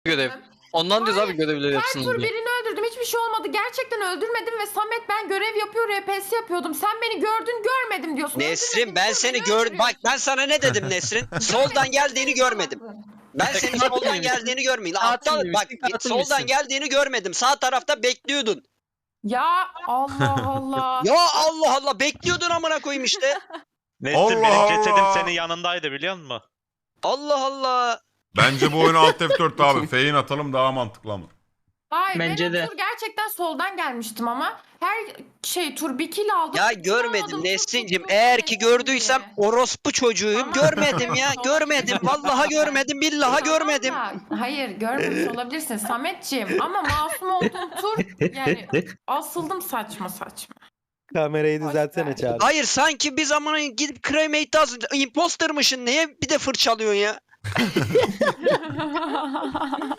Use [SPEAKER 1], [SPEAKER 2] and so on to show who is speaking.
[SPEAKER 1] görev. Ondan diyoruz abi görevleri
[SPEAKER 2] Her
[SPEAKER 1] yapsın
[SPEAKER 2] tur
[SPEAKER 1] diye.
[SPEAKER 2] birini öldürdüm. Hiçbir şey olmadı. Gerçekten öldürmedim ve Samet ben görev yapıyor, RPS yapıyordum. Sen beni gördün görmedim diyorsun.
[SPEAKER 3] Nesrin ben seni gördüm. Bak ben sana ne dedim Nesrin? Soldan geldiğini görmedim. Ben senin soldan geldiğini görmedim. Aptal bak soldan geldiğini görmedim. Sağ tarafta bekliyordun.
[SPEAKER 2] Ya Allah Allah.
[SPEAKER 3] Ya Allah Allah bekliyordun amına koyayım işte.
[SPEAKER 4] Nesrin
[SPEAKER 5] Allah
[SPEAKER 4] benim cesedim
[SPEAKER 5] Allah.
[SPEAKER 4] senin yanındaydı biliyor musun?
[SPEAKER 3] Allah Allah.
[SPEAKER 5] Bence bu oyunu Alt F4'te abi. Feyin atalım daha mantıklı ama.
[SPEAKER 2] Hayır
[SPEAKER 1] Bence
[SPEAKER 2] ben
[SPEAKER 1] de.
[SPEAKER 2] o tur gerçekten soldan gelmiştim ama her tur bir kill aldım.
[SPEAKER 3] Ya
[SPEAKER 2] Hiç
[SPEAKER 3] görmedim
[SPEAKER 2] almadım,
[SPEAKER 3] Nesrin'cim.
[SPEAKER 2] tuttum
[SPEAKER 3] Eğer ki
[SPEAKER 2] Nesrin
[SPEAKER 3] gördüysem
[SPEAKER 2] diye.
[SPEAKER 3] orospu çocuğuyum.
[SPEAKER 2] Ama-
[SPEAKER 3] Görmedim ya.
[SPEAKER 2] Tamam.
[SPEAKER 3] Görmedim. Vallahi görmedim. Billahi
[SPEAKER 2] Tamam
[SPEAKER 3] görmedim.
[SPEAKER 2] da, hayır görmemiş olabilirsin Sametciğim ama masum olduğum tur yani asıldım saçma saçma.
[SPEAKER 6] Kamerayı
[SPEAKER 2] Boş
[SPEAKER 6] düzeltsene
[SPEAKER 2] ver.
[SPEAKER 6] Çağrı.
[SPEAKER 3] Hayır sanki bir zaman gidip cremate az impostermışsın. Niye bir de fırçalıyorsun ya?